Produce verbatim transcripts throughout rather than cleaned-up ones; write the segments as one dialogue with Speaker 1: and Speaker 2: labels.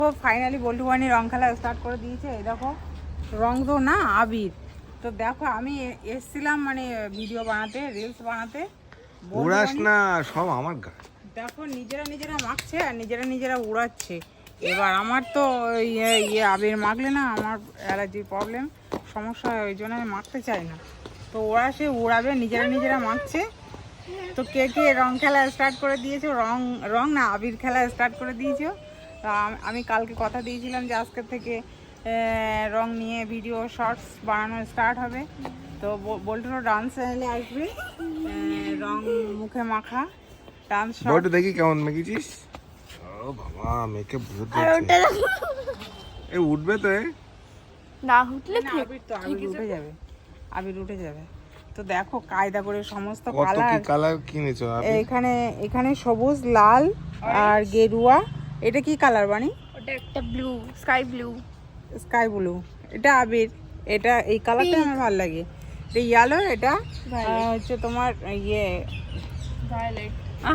Speaker 1: তো ফাইনালি বল্টু বানি রং খেলা স্টার্ট করে দিয়েছে। এই দেখো রং তো না আবির। তো দেখো আমি এসছিলাম মানে ভিডিও বানাতে, রিলস বানাতে,
Speaker 2: উড়াস না সব আমার গা।
Speaker 1: দেখো নিজেরা নিজেরা মাখছে আর নিজেরা নিজেরা উড়াচ্ছে। এবার আমার তো ইয়ে ইয়ে আবির মাখলে না আমার অ্যালার্জির প্রবলেম, সমস্যা হয়, ওই জন্য আমি মাখতে চাই না। তো ওরা সে উড়াবে, নিজেরা নিজেরা মাখছে। তো কে কে রং খেলা স্টার্ট করে দিয়েছো, রং রং না আবির খেলা স্টার্ট করে দিয়েছো। তো আমি কালকে কথা দিয়েছিলাম যে আজকের থেকে রং নিয়ে ভিডিও শর্টস বানানো স্টার্ট হবে। তো বল্টুরও ডান্স চ্যানেলে আসবে, রং মুখে মাখা ডান্স।
Speaker 2: বল্টু দেখি কেমন মেখেছিস। ও বাবা মেখে ভূত যাচ্ছে। এ উঠবে তো এ
Speaker 3: না উঠলে
Speaker 1: আবির তো আবির উঠে যাবে, আবির উঠে যাবে। তো দেখো কায়দা করে সমস্ত
Speaker 2: কত
Speaker 1: কালার,
Speaker 2: কি কালার কিনেছো আপনি?
Speaker 1: এখানে এখানে সবুজ, লাল আর গেরুয়া। এটা কি কালার বানি?
Speaker 3: ওটা একটা blue, sky blue.
Speaker 1: Sky blue. এটা আবির, এটা এই কালারটা আমার ভালো লাগে। এটা ইয়েলো, এটা হচ্ছে তোমার ইয়ে
Speaker 3: ভায়োলেট।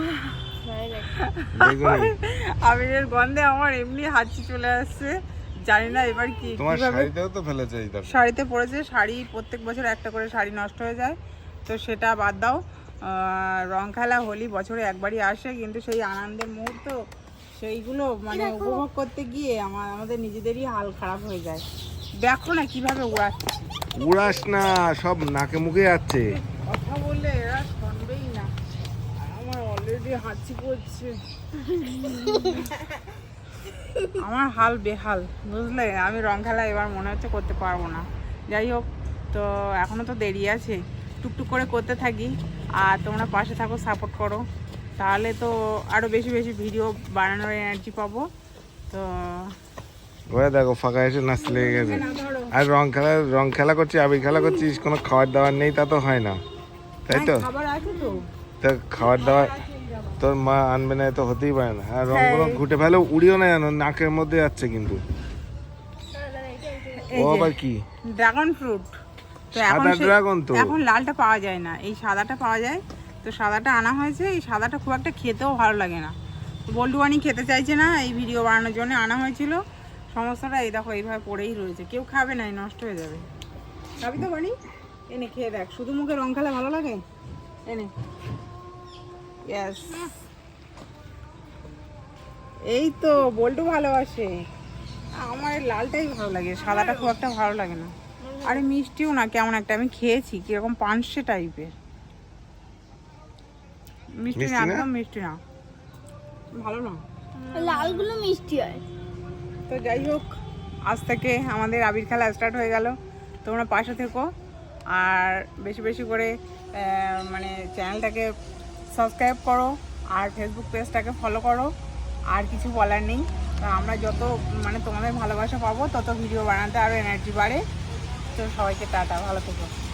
Speaker 2: বেগুনি।
Speaker 1: আবিরের গন্ধে আমার এমনি হাঁচি চলে আসছে। জানি না এবার কি
Speaker 2: তোমার
Speaker 1: কিভাবে।
Speaker 2: শাড়িতেও তো ফেলেছে এই দেখো।
Speaker 1: শাড়িতে পরেছে, শাড়ি প্রত্যেক বছর একটা করে শাড়ি নষ্ট হয়ে যায়। তো সেটা বাদ দাও, রং খেলা হোলি বছরে একবারই আসে, কিন্তু সেই আনন্দের মুহূর্ত সেইগুলো মানে উপভোগ করতে গিয়ে আমার আমাদের নিজেদেরই হাল খারাপ হয়ে যায়। দেখো না কিভাবে উড়াচ্ছে।
Speaker 2: উড়াস না সব নাকে মুখে যাচ্ছে।
Speaker 1: কথা বললে এরা শুনবেই না, আর আমার অলরেডি হাঁচি পড়ছে। আমার হাল বেহাল, বুঝলে। আমি রং খেলা এবার মনে হচ্ছে করতে পারবো না। যাই হোক, তো এখনও তো দেরি আছে, টুকটুক করে করতে থাকি। আর তোমরা পাশে থাকো, সাপোর্ট করো, তাহলে তো আরও বেশি বেশি ভিডিও বানানোর এনার্জি পাবো। তো
Speaker 2: ওরা দেখো ফাঁকা এসে নাচতে লেগে গেছে। আর রং খেলা রং খেলা করছিস, আবির খেলা করছিস, কোনো খাবার দাবার নেই তা তো হয় না, তাই তো?
Speaker 1: খাবার আছে তো,
Speaker 2: তা খাবার দাবার তোর মা আনবে না তো হতেই পারে না। আর রংগুলো ঘুটে ফেলে উড়িও না জানো, নাকের মধ্যে যাচ্ছে কিন্তু। ও আবার কি
Speaker 1: ড্রাগন ফ্রুট। তো এখন
Speaker 2: সাদা
Speaker 1: সে-
Speaker 2: ড্রাগন তো।
Speaker 1: এখন লালটা পাওয়া যায় না, এই সাদাটা পাওয়া যায়। তো সাদাটা আনা হয়েছে, এই সাদাটা খুব একটা খেতেও ভালো লাগে না। বল্টু বানি খেতে চাইছে না, এই ভিডিও বানানোর জন্য আনা হয়েছিল। সমস্যাটা এই দেখো এইভাবে পড়েই রয়েছে, কেউ খাবে না, নষ্ট হয়ে যাবে। খাবি তো বানি? এনে খেয়ে দেখ, শুধু মুখে রং খেলা ভালো লাগে। এনে, ইয়েস, এই তো বল্টু ভালোবাসে। আমার এই লালটাই ভালো লাগে, সাদাটা খুব একটা ভালো লাগে না। আরে মিষ্টিও না, কেমন একটা, আমি খেয়েছি কিরকম পানসে টাইপের। মিষ্টি না,
Speaker 2: মিষ্টি না?
Speaker 1: একদম মিষ্টি না, ভালো না।
Speaker 3: লালগুলো মিষ্টি হয়।
Speaker 1: তো যাই হোক, আজ থেকে আমাদের আবির খেলা স্টার্ট হয়ে গেল। তোমরা পাশে থেকো আর বেশি বেশি করে আহ, মানে চ্যানেলটাকে সাবস্ক্রাইব করো আর ফেসবুক পেজটাকে ফলো করো। আর কিছু বলার নেই। তো আমরা যত মানে তোমাদের ভালোবাসা পাবো তত ভিডিও বানাতে আরও এনার্জি বাড়ে। তো সবাইকে টাটা, ভালো থেকো।